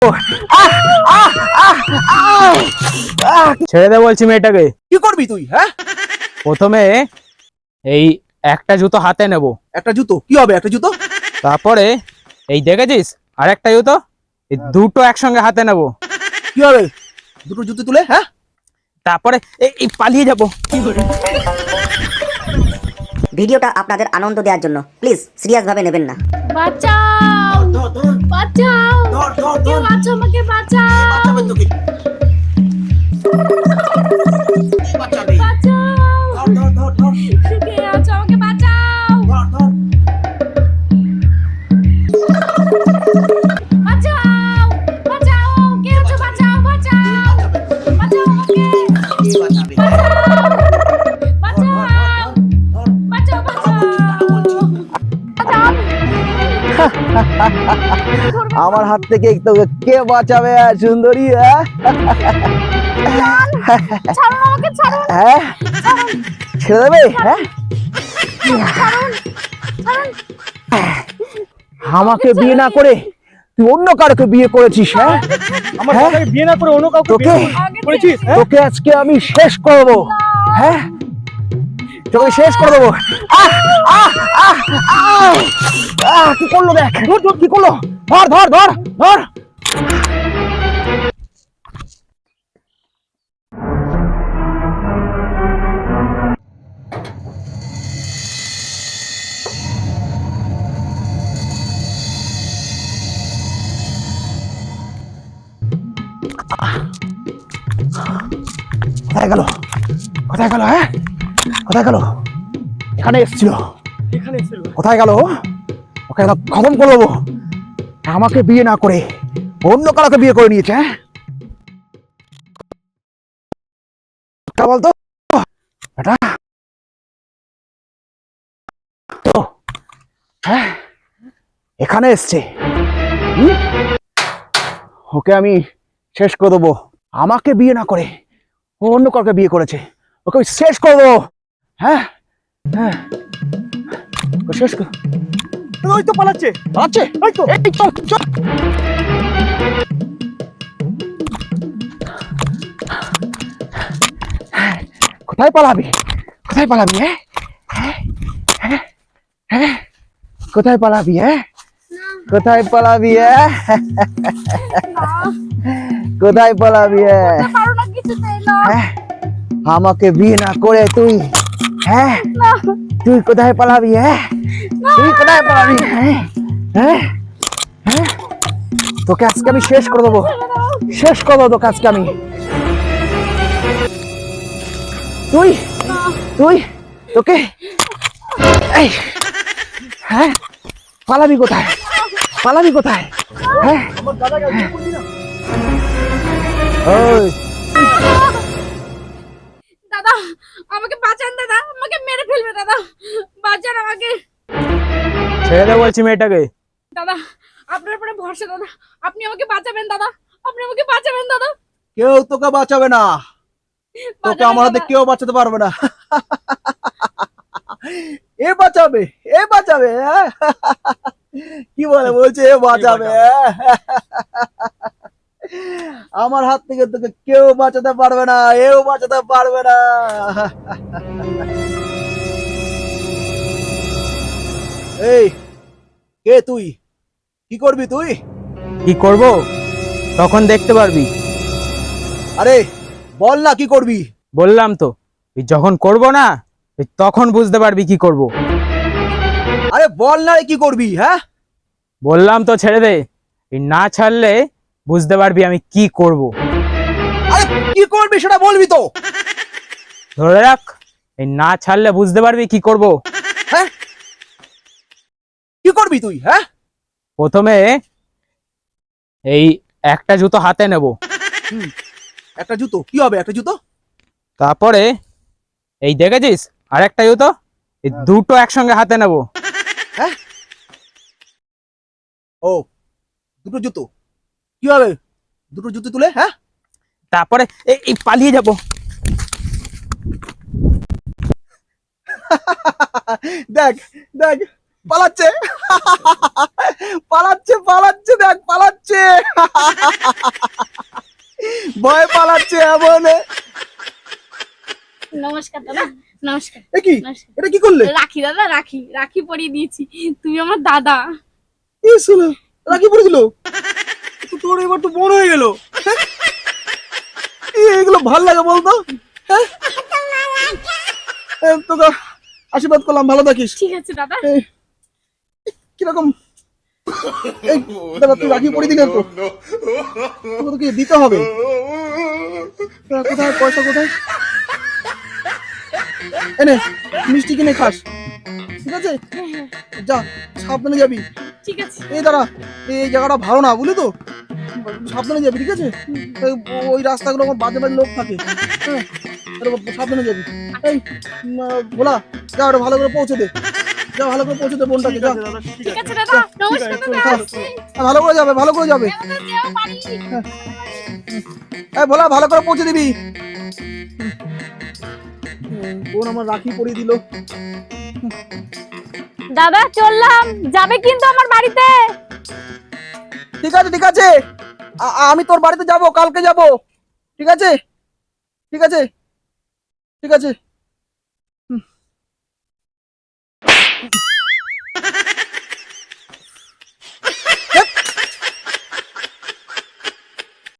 ছেড়ে দে বলছি মেয়েটাকে। কি করবি তুই? হ্যাঁ, প্রথমে এই একটা জুতো হাতে নেব, একটা জুতো কি হবে? একটা জুতো তারপরে এই দেখেছিস আর একটা জুতো, এই দুটো একসঙ্গে হাতে নেব, কি হবে? দুটো জুতো তুলে, হ্যাঁ, তারপরে এই পালিয়ে যাব। ভিডিওটা আপনাদের আনন্দ দেওয়ার জন্য প্লিজ সিরিয়াস ভাবে নেবেন না। বাঁচাও, বাঁচাও, কেউ আছো, আমাকে বাঁচাও, বাঁচাও, কে আছো, আমাকে বাঁচাও, বাঁচাও, বাঁচাও, কে আছো, বাঁচাও, বাঁচাও, বাঁচাও আমাকে, বাঁচাও, বাঁচাও, বাঁচাও, বাঁচাও। আমার হাত থেকে তোকে কে বাঁচাবে সুন্দরী? ছাড়ুন আমাকে, ছাড়ুন, হ্যাঁ, ছেড়ে দেবে? হ্যাঁ, ছাড়ুন, ছাড়ুন। আমাকে বিয়ে না করে তুই অন্য কারোকে বিয়ে করেছিস? হ্যাঁ, আমার হ্যাঁ? দাদাকে বিয়ে না করে অন্য কাউকে তোকে করেছিস? তোকে আজকে আমি শেষ করব। হ্যাঁ, তোকে শেষ করে দেবো। কি করলো? দেখ কি করলো। ধর ধর ধর ধর। কোথায় গেল? কোথায় গেল? হ্যাঁ, কোথায় গেল? এখানে এসেছিল। কোথায় গেল? ওকে খতম করে দেবো। আমাকে বিয়ে না করে অন্য কারোকে বিয়ে করে নিয়েছে। হ্যাঁ, বলতো এটা তো, হ্যাঁ, এখানে এসছে। ওকে আমি শেষ করে দেবো। আমাকে বিয়ে না করে ও অন্য কাউকে বিয়ে করেছে, ওকে আমি শেষ করে দেবো। হ্যাঁ, হ্যাঁ, ওকে শেষ কর। ওই তো পালাচ্ছে, পালাচ্ছে। ওই তো। এই চল চল। কোথায় পালাবি? কোথায় পালাবি? হ্যাঁ, হ্যাঁ, হ্যাঁ, হ্যাঁ, কোথায় পালাবি? হ্যাঁ, কোথায় পালাবি? হ্যাঁ, কোথায় পালাবি? পারো না কিছুতেই, না, হ্যাঁ, আমাকে বিয়ে না করে তুই, হ্যাঁ, না, তুই কোথায় পালাবি? হ্যাঁ, তুই কোথায় পালাবি? হ্যাঁ, হ্যাঁ, হ্যাঁ, তোকে আজকে আমি শেষ করে দেবো। শেষ করে দেবো তোকে আজকে আমি। তুই তুই তোকে এই, হ্যাঁ, পালাবি কোথায়? পালাবি কোথায়? হ্যাঁ, ওই দাদা আমাকে বাঁচান, দাদা আমাকে মেরে ফেলবে, দাদা বাঁচান আমাকে, ছেড়ে দে বলছি মেয়েটাকে। দাদা আপনার উপরে ভরসা, দাদা আপনি আমাকে বাঁচাবেন, দাদা আপনি আমাকে বাঁচাবেন, দাদা কেউ তোকে বাঁচাবে না। তোকে আমার হাতে কেউ বাঁচাতে পারবে না। এ বাঁচাবে, এ বাঁচাবে। হ্যাঁ? কি বলে বলছে এ বাঁচাবে? আমার হাত থেকে তোকে কেউ বাঁচাতে পারবে না, এও বাঁচাতে পারবে না। এই কে তুই? কি করবি তুই? কি করব তখন দেখতে পারবি। আরে বল না কি করবি? বললাম তো, এই যখন করব না এই তখন বুঝতে পারবি কি করব। আরে বল না রে কি করবি? হ্যাঁ, বললাম তো ছেড়ে দে, এই না ছাড়লে বুঝতে পারবি আমি কি করব। আরে কি করবি সেটা বলবি তো। ধরে রাখ, এই না ছাড়লে বুঝতে পারবি কি করব। হ্যাঁ, কি করবি তুই? হ্যাঁ, প্রথমে এই একটা জুতো হাতে নেব, একটা জুতো কি হবে? একটা জুতো তারপরে এই দেখেছিস আর একটা জুতো, এই দুটো একসঙ্গে হাতে নেব, হ্যাঁ, ও দুটো জুতো কি হবে? দুটো জুতো তুলে, হ্যাঁ, তারপরে এই পালিয়ে যাব। দেখ দেখ পালাচ্ছে পালাচ্ছে পালাচ্ছে দেখ পালাচ্ছে ভয় পালাচ্ছে এমন। নমস্কার দাদা, নমস্কার। এ কি নমস্কার। এটা কি করলে? রাখি দাদা, রাখি রাখি পরিয়ে দিয়েছি। তুমি আমার দাদা। এই শোনো রাখি পড়ে দিল তো, তোর এবার তো বড় হয়ে গেল। এগুলো ভাল লাগে বলতো? হ্যাঁ তোকে আশীর্বাদ করলাম, ভালো থাকিস। ঠিক আছে দাদা। কিরকম এই দাদা তুই রাখি পড়ে দিলে তো, তোকে তো কি দিতে হবে। কোথায় পয়সা কোথায়? এনে মিষ্টি কিনে খাস, ঠিক আছে? যা সাবধানে যাবি। ঠিক আছে। এই দাঁড়া, এই জায়গাটা ভালো না বুঝলি তো, সাবধানে যাবি, ঠিক আছে? ওই রাস্তাগুলো আমার বাজে বাজে লোক থাকে, হ্যাঁ সাবধানে যাবি। এই ভোলা যা ওটা ভালো করে পৌঁছে দে, যা ভালো করে পৌঁছে দে বোনটাকে, যা। ঠিক আছে দাদা, নমস্কার দাদা। ভালো করে যাবে, ভালো করে যাবে। দাদা, যেও বাড়ি। এই ভোলা ভালো করে পৌঁছে দিবি। বোন আমার রাখি পরিয়ে দিল। দাদা চললাম, যাবে কিন্তু আমার বাড়িতে। ঠিক আছে ঠিক আছে, আমি তোর বাড়িতে যাব, কালকে যাব, ঠিক আছে ঠিক আছে ঠিক আছে।